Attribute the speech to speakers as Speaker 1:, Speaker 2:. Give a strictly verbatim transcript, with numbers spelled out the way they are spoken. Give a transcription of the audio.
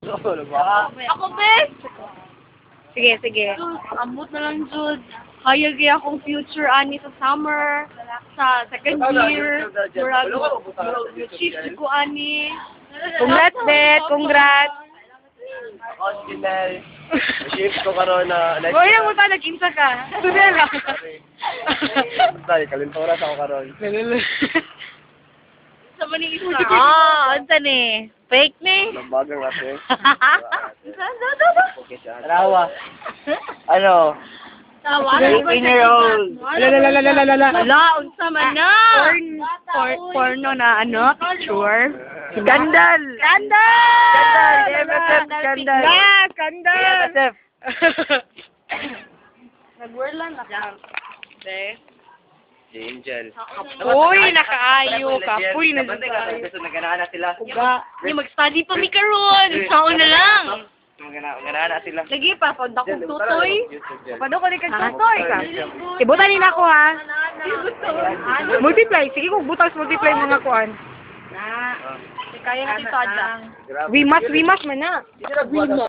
Speaker 1: Ako, bes!
Speaker 2: Sige, sige.
Speaker 1: Ambot na lang, Jude. Hayag kaya akong future ani sa summer, sa second year, murag, chief ko ani.
Speaker 2: Congrats, Bet. Congrats.
Speaker 3: Ako, si Nel. Shift ko karon na...
Speaker 2: Boy, lang mo pa, nag-insa ka. Tudel lang.
Speaker 3: Dahil, kalinturas ako karon.
Speaker 1: Sa maning isa.
Speaker 2: Ah, ano ni? Fake ni?
Speaker 3: Nabagang ate.
Speaker 2: Ano?
Speaker 3: Rawa. Ano?
Speaker 1: Tawa.
Speaker 3: fifteen-year-old.
Speaker 2: Lalalalalala.
Speaker 1: Wala, unsa man na.
Speaker 2: Porn, por, porno na ano, picture. Skandal! Skandal!
Speaker 1: Skandal!
Speaker 2: M S F skandal! Ah, skandal!
Speaker 3: M S F.
Speaker 1: Nag-whirlan na ka. Be.
Speaker 3: Si Angel.
Speaker 2: Uy, nakaayo ka. Uy,
Speaker 3: Nabantay ka.
Speaker 2: nakaayo.
Speaker 3: Gusto naganaan na sila.
Speaker 2: Uga.
Speaker 1: Ni mag-study pa mi karon. Sao na lang.
Speaker 3: Naganaan na sila.
Speaker 1: Lagi pa pag akong tutoy.
Speaker 2: Pado ko ni kag tutoy ka. Ibutan nila ako ha. Multiply. Sige kung butas multiply mga kuan.
Speaker 1: Kaya na dito adya.
Speaker 3: Grabe.
Speaker 2: We must, we must man na.